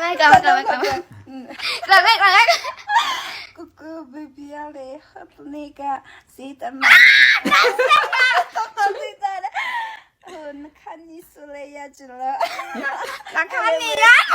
Cuckoo baby ale hatnika sitama. Nakani Soleya Jula. Nakani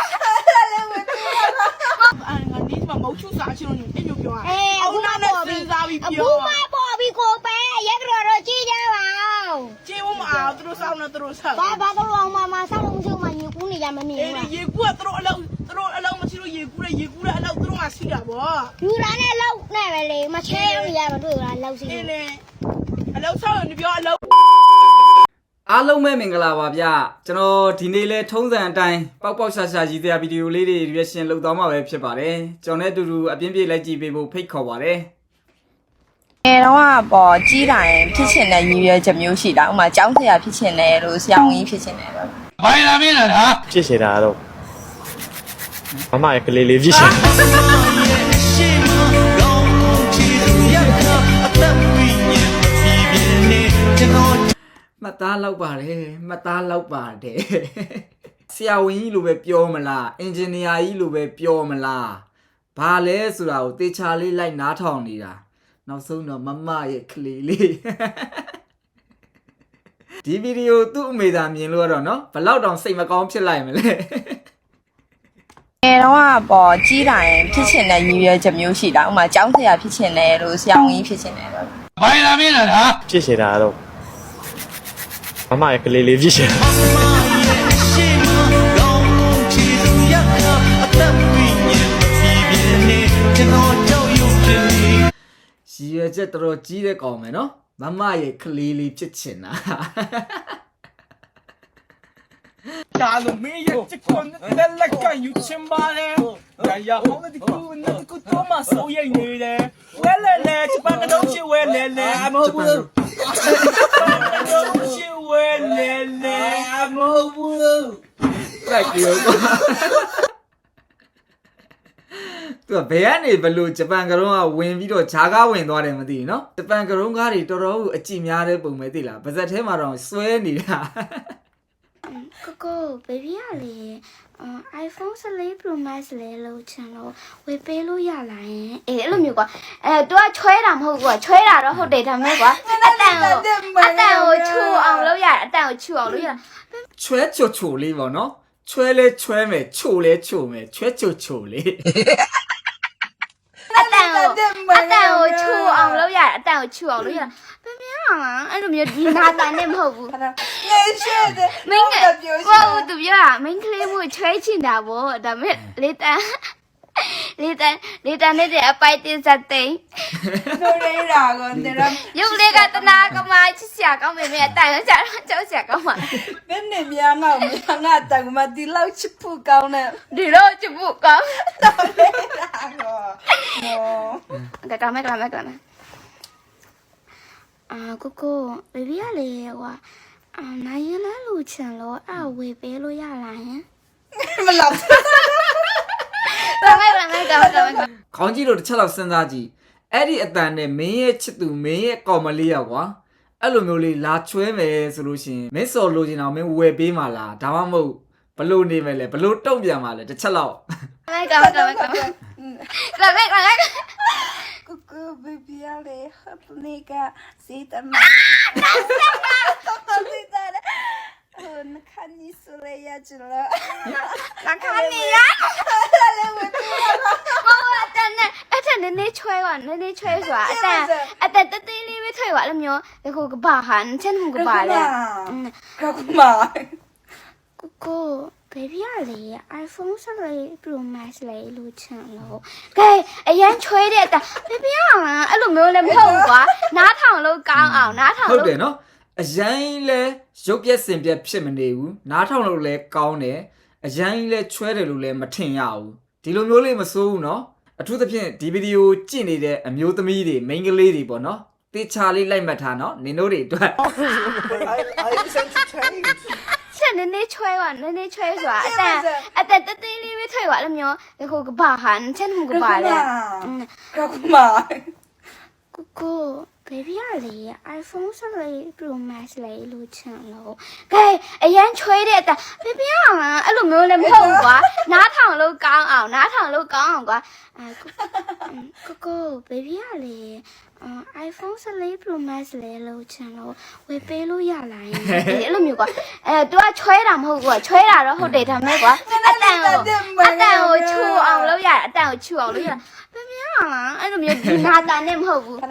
anh đi mà mẫu chú xã chưa nhung em nhung chưa à? Ông nó bỏ bị bị ra bị bố mai bỏ bị cô bé dắt rồi chi ra vào chi mà ảo tôi sao nó tôi sao ba tôi lòng mà sao không chưa mà nhiều cú này mà nhiều em gì cú tôi lâu mà chỉ gì cú là lâu tôi mà xí cả bỏ như là này lâu này mà liền mà che bây giờ mà tôi là lâu xí nè lâu sao rồi bây lâu အားလုံးပဲမင်္ဂလာပါဗျကျွန်တော်ဒီနေ့လဲထုံးစံအတိုင်းပေါက်ပေါက်ရှာရှာကြီးတဲ့ဗီဒီယိုလေးတွေ reaction လုပ်သွားမှာပဲဖြစ်ပါတယ်ကျွန်တော်နဲ့အတူတူအပြင်းပြေးလိုက်ကြည့်ပေးဖို့ဖိတ်ခေါ်ပါတယ်တော့ပေါ်ကြီးတိုင်းဖြစ်ချင်တဲ့ရည်ရွယ်ချက်မျိုးရှိတာဥမာကျောင်းဆရာဖြစ်ချင်တယ်လို့ဆရာဝန်ကြီးဖြစ်ချင်တယ်တော့ဘာလာမင်းလားဟာဖြစ်နေတာတော့မမရဲ့ကလေးလေးဖြစ်ရှင်မှတ်သားလောက်ပါတယ်မှတ်သားလောက်ပါတယ်ဆရာဝန်ကြီးလိုပဲပြောမလားအင်ဂျင်နီယာကြီးလိုပဲပြောမလားဘာလဲဆိုတာကိုတေချာလေးလိုက်နားထောင်နေတာနောက်ဆုံးတော့မမရဲ့ကလေးလေးဒီဗီဒီယိုသူ့အမေသာမြင်လို့တော့เนาะဘလောက်တောင်စိတ်မကောင်းဖြစ်လိုက်မလဲတော့ပေါ်ကြီးတိုင်းဖြစ်ချင်တဲ့ရည်ရွယ်ချက်မျိုးရှိတာဥမာကျောင်းဆရာဖြစ်ချင်တယ်လို့ဆရာဝန်ကြီးဖြစ်ချင်တယ်တော့ဘာလာမင်းလားဟာဖြစ်နေတာတော့မမရဲ့ကလေးလေးဖြစ်ရှင်ရည်ရွယ်ချက်တော်တော်ကြီးတဲ့ကောင်မယ်เนาะမမရဲ့ကလေးလေးဖြစ်ချင်တာ假如没有这个，那来干有钱吧嘞？哎呀，好了的股，那的股多嘛收益你嘞？来，这半个东西我来，没不，东西我来，没不。 လိုက်ပြောကွာသူကဘယ်ကနေဘလို့ဂျပန်ကရုံးကဝင်ပြီးတော့ဂျာကားဝင်သွားတယ်မသိဘူးเนาะဂျပန်ကရုံးကားတွေတော်တော်အကြည့်များတဲ့ပုံပဲသိလားဗဇက်ထဲမှာတော့စွဲနေတာ Coco baby လေ iPhone 14 Pro Max လေလို့ချင်လို့ဝယ်ပေးလို့ရလာရင်အေးအဲ့လိုမျိုးကွာသူကချွဲတာမဟုတ်ကွာချွဲတာတော့ဟုတ်တယ်ဒါမဲ့ကွာအတန်ကိုချူအောင်လုပ်ရအတန်ကိုချူအောင်လုပ်ရချွဲချိုလေးပေါ့เนาะချွဲလဲချွဲမယ်ချိုလဲချိုမယ်ချွဲချိုလေးအတန်ကိုချူအောင်လုပ်ရအတန်ကိုချူအောင်လုပ်ရဘယ်များလားအဲ့လိုမျိုးဒီနာတန်နဲ့မဟုတ်ဘူး Ngeshede မင်းကကိုဦးသူပြောတာမင်းကလေးမျိုးချွဲချင်တာဗောဒါမဲ့လေတန်နဲ့တဲ့အပိုက်တင်စတဲ့ Norera gondera ရုပ်လေးကတနာကမချစ်စရာကောင်းပေမဲ့အတန်ကကြောက်စရာကောင်းပါ Benne mianga tagma di lau chipu kauna ဒီတော့ချစ်ဖို့ကောင်း Norera go No ကမဲ့ကိုဘေဘီကလေကွာနိုင်ရင်လည်းလူချင်လို့အဲ့ဝေပေးလို့ရလားဟင် Malap ကမဲ့ခေါင်းကြီးတို့တစ်ချက်လောက်စဉ်းစားကြည့်အဲ့ဒီအတန်နဲ့မင်းရဲ့ချစ်သူမင်းရဲ့ကောင်မလေးရောက်ကွာအဲ့လိုမျိုးလေးလာချွဲမယ်ဆိုလို့ရှိရင်မင်းစော်လို့ချင်အောင်မင်းဝယ်ပေးမှာလားဒါမှမဟုတ်ဘလို့နေမယ်လဲဘလို့တုံ့ပြန်မှာလဲတစ်ချက်လောက် Cuckoo baby ale hatnika sitama Nakani Soleya Jula Nakani အတန်နဲ့ချွဲပါနည်းချွဲဆိုတာအတန်တသေးလေးပဲထွေးပါလို့မျိုးဒီကိုကဘာဟန်ချင်မှုကဘာလဲ Kakuma ကိုဘေဘီကလေ iPhone 14 Pro Max လေလို့ချင်လို့ကဲအရန်ချွဲတဲ့အတန်ဘေဘီကလားအဲ့လိုမျိုးလည်းမဟုတ်ဘူးကွာနားထောင်လို့ကောင်းအောင်နားထောင်ဟုတ်လို့တယ်နော်အရင်လဲရုပ်ပြက်စင်ပြက်ဖြစ်မနေဘူးနားထောင်လို့လဲကောင်းတယ်အရင်လဲချွဲတယ်လို့လဲမထင်ရဘူးဒီလိုမျိုးလေးမစိုးဘူးနော်အထူးသဖြင့်ဒီဗီဒီယိုကြည့်နေတဲ့အမျိုးသမီးတွေမိန်းကလေးတွေပေါ့နော်တေချာလေးလိုက်မှတ်ထားနော်နင်တို့တွေအတွက် I listen to change ချက်နည်းချွဲပါနည်းချွဲဆိုတာအတန်တသေးလေးပဲထွေးပါလို့မျိုးဒီကိုကဘာဟန်ချင်မှုကဘာလဲ Kakuma ကိုဘေဘီကလေ iPhone 14 Pro Max လေလို့ချင်လို့ကဲအရန်ချွဲတဲ့အတန်ဘေဘီကလားအဲ့လိုမျိုးလည်းမဟုတ်ဘူးကွာနားထောင်လို့ကောင်းအောင်နားထောင်လို့ကောင်းအောင်ကွာကိုကို baby ကလေiPhone 14 Pro Max လေလို့ချင်လို့ဝယ်ပေးလို့ရလားအဲ့လိုမျိုးကွာतू ကချွဲတာမဟုတ်ကွာချွဲတာတော့ဟုတ်တယ်ဒါမဲ့ကွာအတန်ကိုချူအောင်လုပ်ရအတန်ကိုချူအောင်လုပ်ရ baby ကလားအဲ့လိုမျိုးဒီနာတာနဲ့မဟုတ်ဘူး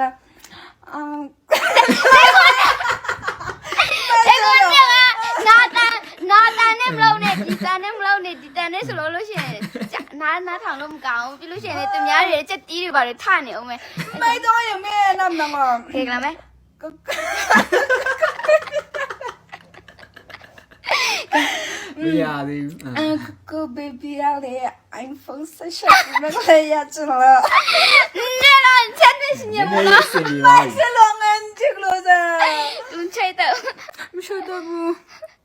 နာတာနဲ့မလုံးနဲ့ဒီတန်နဲ့မလုံးနဲ့ဒီတန်နဲ့ဆိုလို့ရှိရင်နားထောင်လို့မကောင်းဘူးပြီးလို့ရှိရင်လေသူများတွေချက်တီးတွေပါလေထနေအောင်မယ်မိုက်တော့ရမယ်နမ်နမ်ခေကလာမယ်မရသေးဘူးကို baby ရလေ iPhone 16မလေးရချင်လားနေတော့ချက်နေရှင်ရမလားစင်ဒီပါဆလောငန်ချစ်လို့စားသူချိတ်တော့မရှိတော့ဘူး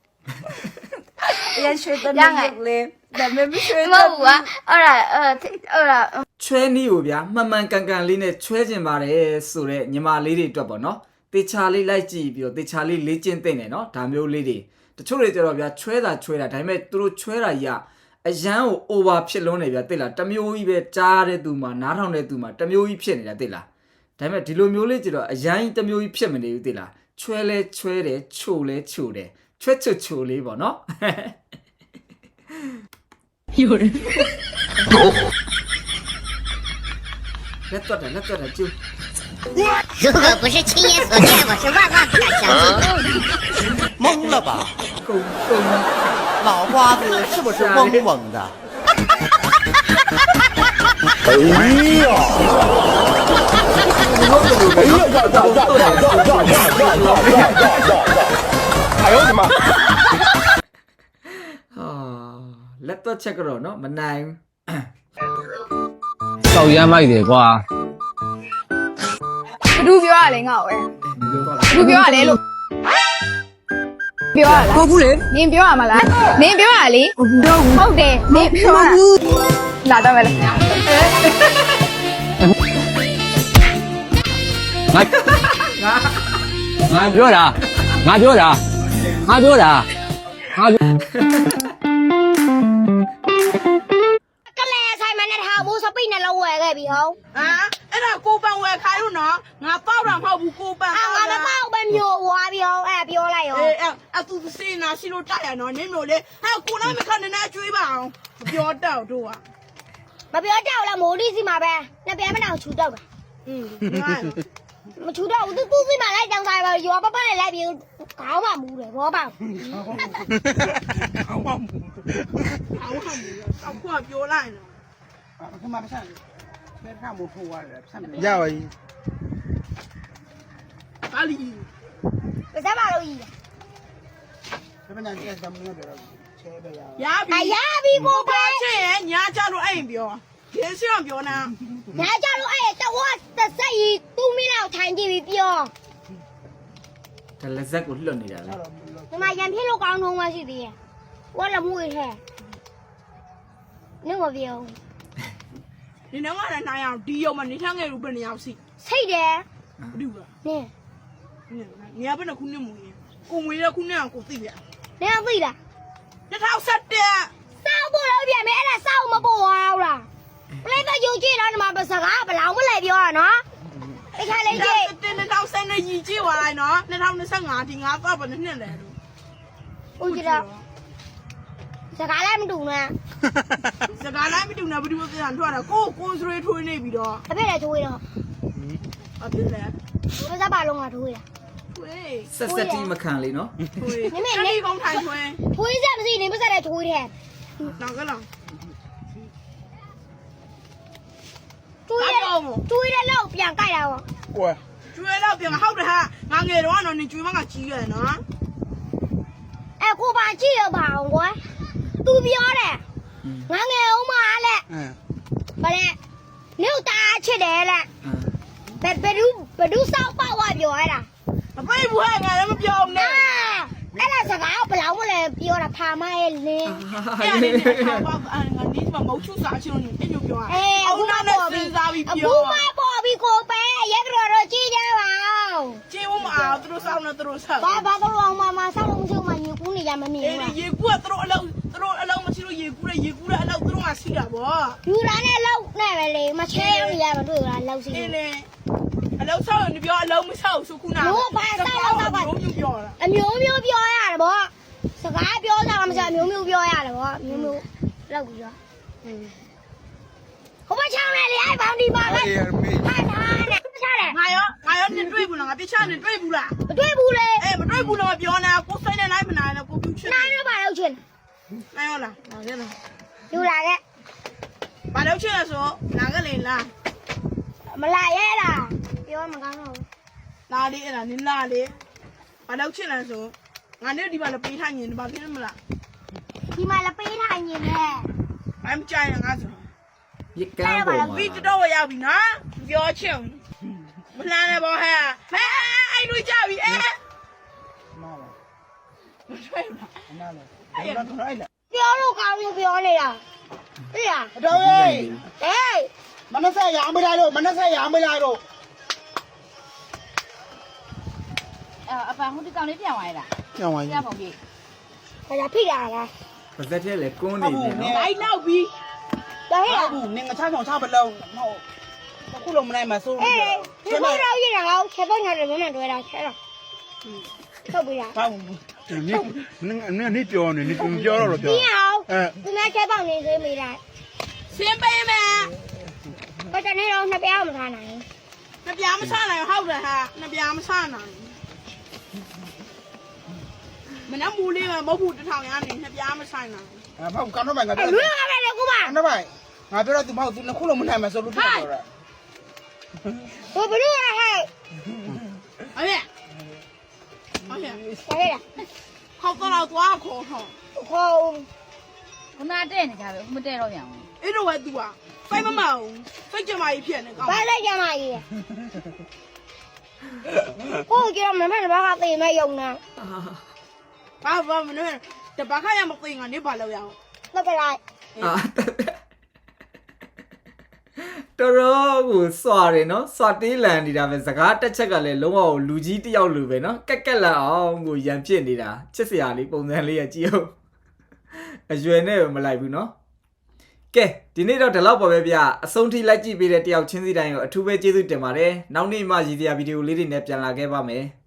ရရှိတော့နေလေဒါပေမဲ့မရှိမတော့ဟုတ်ဘူးကွာအဲ့ဒါချွဲနည်းကိုဗျာမှန်မှန်ကန်ကန်လေးနဲ့ချွဲကျင်ပါတယ်ဆိုတော့ညီမလေးတွေအတွက်ပေါ့နော်တေချာလေးလိုက်ကြည့်ပြီးတော့တေချာလေးလေ့ကျင့်သိနေနော်ဒါမျိုးလေးတွေတချို့တွေကြတော့ဗျာချွဲတာဒါပေမဲ့သူတို့ချွဲတာကြီးကအရန်ကို over ဖြစ်လုံးနေဗျာသိလားတမျိုးကြီးပဲကြားတဲ့သူမှာနားထောင်တဲ့သူမှာတမျိုးကြီးဖြစ်နေတာသိလားဒါပေမဲ့ဒီလိုမျိုးလေးကြတော့အရန်ကြီးတမျိုးကြီးဖြစ်မနေဘူးသိလားချွဲလဲချွဲတယ်ချိုလဲချိုတယ်ချွဲချိုလေးပေါ့နော်လက်တော့တယ်ကျူ如果不是亲眼所见，我是万万不敢相信的。 懵了吧？ ကုန်脑瓜子是不是嗡嗡的？ 哎呦我的妈！ ဟာလက်တော့ချက်ကတော့နော်မနိုင်ဘူးတောက်ရမ်းမိုက်တယ်ကွာဘသူပြောရလဲငါ့ကိုပဲပြောတော့ဘသူပြောရလဲလို့ပြောရလားဟုတ်ဘူးလေနင်ပြောရမလားနင်ပြောရလေဟုတ်တယ်နင်ပြောရလာတော့မယ်လေငါပြောတာငါပြောတာကလေးဆိုင်မနဲ့ထားဘူးစပိနဲ့လောက်ဝယ်ခဲ့ပြီဟုတ်ဟာအဲ့ဒါကိုပန်ဝယ်ခိုင်းလို့နော်ငါပေါက်တာမဟုတ်ဘူးကိုပန်ငါမပေါ့ပဲမျိုးဝါပြီဟုတ်အဲ့ပြောလိုက်ရောအဲ့သူစေနာရှိလို့တိုက်ရနော်နင်းမျိုးလေဟာကိုလိုက်မခနဲ့ကျွေးပါအောင်ပြောတော့တို့ကမပြောတော့လားမိုးလေးစီမှာပဲနှစ်ပြန်မနောက်ချူတော့တာငါမချူတော့ဘူးသူစီမှာလိုက်တောင်းစားပါရောပပနဲ့လိုက်ပြီးခေါင်းမှမူတယ်ဘောပါအောက်ပါမူအောက်ပါမူအောက်ကပြောလိုက်နော်အခုမှမဆက်ဘူးဘယ်ကမှမထိုးရတယ်ဆက်မယ်ရပါပြီပါလီပါစပါလို့ကြီးဘယ်မှကျက်စမ်းမလို့ပြောတော့ချဲပဲရရပြီအရာပြီးကိုပဲချင်းရဲ့ညာကြလို့အဲ့ရင်ပြောဒီစီအောင်ပြောနာညာကြလို့အဲ့တော့တစ်ဆက်ကြီးသူ့မင်းလောက်ထိုင်ကြည့်ပြီးပြောဒါလက်ဆက်ကိုလွတ်နေတာလေဒီမှာရံဖြစ်လို့ကောင်းတော့မှရှိသေးရဲ့ဝါလမှုရဲ့ထဲနင်မပြောဒီနေ့မှလည်းနိုင်အောင်ဒီရုံမှာနေချငယ်လို့ဘယ်နေရောက်စီစိတ်တယ်ဘယ်လိုလဲနင်နေရဘယ်နှခုနှစ်မူရင်ကိုငွေရခုနှစ်အောင်ကိုသိရနင်သိလား 2017 စောက်ဖို့လို့ပြန်မယ်အဲ့ဒါစောက်မပေါ်အောင်လားပလေးတော့ယူကြည့်တော့ဒီမှာစကားဘလောင်မလဲပြောရနော်တခါလေးကြည့် 2010နဲ့ရည်ကြည့်သွားလိုက်နော်2025ဒီငါတော့ဘယ်နှစ်လဲလို့ဦးကြည့်တော့စကားလည်းမတူနဲ့စကားလိုက်မတူနဲ့ဘယ်သူမှပြန်ထွက်တာကိုစရေးထွေးနေပြီးတော့အဖေလည်းထိုးရတော့အပြစ်လဲဘယ်စားပါလုံးကထိုးရထွေးဆက်တီးမခံလေနော်ထွေးနေကောင်းထိုင်ထွေးထိုးရမရှိနေမစတဲ့ထိုးတယ်နောက်ကလောထိုးရလောက်ပြန်ကြိုက်တာပေါ့ကွယ်ကျွေးတော့ပြန်ဟုတ်တယ်ဟာငါငယ်တော့နော်နေကျွေးမကကြီးရတယ်နော်အဲ့ကိုပါကြည့်ရပါအောင်ကွာသူပြောတယ်ငါငယ်အောင်မလက်ဘာလဲမြို့သားချစ်တယ်လက်ဘယ်သူစောက်ပေါ့ဝပြောရတာမပိတ်ဘူးဟာငါလည်းမပြောနဲ့အဲ့ဒါစကားဘလောင်မလဲပြောတာဖာမရဲ့လင်းအဲ့ဒီနဲ့ပေါ့ငါနေမှာမဟုတ်ချူစားချင်လို့အဲ့လိုပြောတာအခုမှပေါ်ပြီစားပြီးအခုပြောမှပေါ်ပြီကိုပဲရက်တော်ကြည့်ကြပါဦးကျေးဝမအောင်သူတို့စောင်းနေသူတို့ဆက်ဘာတော့အောင်မဆောက်လို့မရှိမှညကူးနေရမမြင်အေးဘူးရေကူကသူတို့အလုံးမရှိလို့ရေကူးတဲ့အလောက်သူတို့ကစီးတာဗောယူလာနဲ့လောက်နဲ့ပဲလေမချဲရရမတွေ့လားလောက်စီအင်းလေအလောက်ဆောက်ရင်ပြောအလုံးမဆောက်ဆိုခုနမျိုးပြောတာအမျိုးမျိုးပြောရတယ်ဗောစကားပြောကြမှာမစားအမျိုးမျိုးပြောရတယ်ဗောမျိုးမျိုးလောက်ပြီးတော့ဟိုမချောင်းလေအဲ့ဘောင်ဒီပါကဟာထားနဲ့ချတယ်ငါရောနေတွေ့ဘူးလားငါပြချနေတွေ့ဘူးလားမတွေ့ဘူးလေအေးမတွေ့ဘူးလို့ပြောနေတာကိုစိတ်နဲ့လိုက်မနိုင်တော့ကိုပြချင်နိုင်ရပါလောက်ချင်းနိုင်ရောလားလာခဲ့လားယူလာခဲ့ဘာလို့ချင်လဲဆိုလာခဲ့လေလားမလာရဲလားပြောမကောင်းတော့လာလေအဲ့ဒါနင်းလာလေဘာလို့ချင်လဲဆိုငါနဲ့ဒီမှာလည်းပေးထိုင်နေတယ်ဘာဖြစ်လဲမလားဒီမှာလည်းပေးထိုင်နေတယ်ဘာမှကြိုင်ငါဆိုပြကန်းပေါ်မှာပြီးတော့ရောက်ပြီနော်ပြောချင်မလှမ်းနဲ့ဘောဟဲ့ဟဲ့အဲ့လူကြပြီအဲ့နားလားမတွေ့ဘူးနားလားအဲ့တော့ထိုင်လာပြောလို့ကောင်းလို့ပြောနေတာသိလားတော်ရဲ့ဟေးမနက်ဆက်ရမလားတော့မနက်ဆက်ရမလားတော့အပန်ဟိုဒီကောင်လေးပြန်သွားရလားကြောင်ပါပြန်ပုံကြီးဘာသာဖိတာလားပါဇက်ထဲလေကွန်းနေတယ်နော်လိုက်နောက်ပြီတော်ဟဲ့ဟုတ်ဘူးနင်ငါချောင်းချမလုံးဟုတ်အခုလုံးမနိုင်မှာစိုးအေးဒီလိုတော့ရတာကောချက်တော့ညာတယ်မမတွေ့တာချက်တော့ထုတ်ပြရဟုတ်ဘူး你ပြော呢？你ပြောတော့ပြောပြီးအောင်ဒီမှာချက်ပေါက်နေသေးမိတာစင်းပေးမယ်ဘာတနေ့တော့နှစ်ပြားမထားနိုင်နှစ်ပြားမဆနိုင်ဟုတ်တယ်ဟာနှစ်ပြားမဆနိုင်မနက်မူလေးမှာမဟုတ်ဘူးတထောင်ရနေနှစ်ပြားမဆိုင်နိုင်အဖေကတော့မှငါဘူးလူရမယ်လေကူပါတော့ပါငါပြောတော့သူမဟုတ်သူနှစ်ခုလုံးမနိုင်မှာဆိုလို့ပြောတော့ဘယ်ဘလူရဟဲ့အဲ့ဟဲ့ဟဲ့လားခေါက်တော့သွားခေါ်ဟောဟောခုနတဲ့နေကြပဲမတဲ့တော့ပြန်ဘူးအဲ့တော့ဝဲသူကစိတ်မမအောင်စိတ်ကြမကြီးဖြစ်နေကောင်းဘာလိုက်ကြမှာကြီးကိုကြရမမဘာကတေးမဲ့ယုံနာဘာမလို့တပတ်ခါရမသိငါနေပါလို့ရအောင်တော့ကလိုက်အာတော်တော်ကိုစွာတယ်နော်စွာတေးလန်နေတာပဲစကားတစ်ချက်ကလည်းလုံးဝလူကြီးတယောက်လိုပဲနော်ကက်ကက်လာအောင်ကိုရံဖြစ်နေတာချစ်စရာလေးပုံစံလေးရကြည့်အောင်အရွယ်နဲ့မလိုက်ဘူးနော်ကဲဒီနေ့တော့ဒီလောက်ပါပဲဗျအဆုံးထိလိုက်ကြည့်ပေးတဲ့တယောက်ချင်းစီတိုင်းကိုအထူးပဲကျေးဇူးတင်ပါတယ်နောက်နေ့မှရည်စရာဗီဒီယိုလေးတွေနဲ့ပြန်လာခဲ့ပါမယ်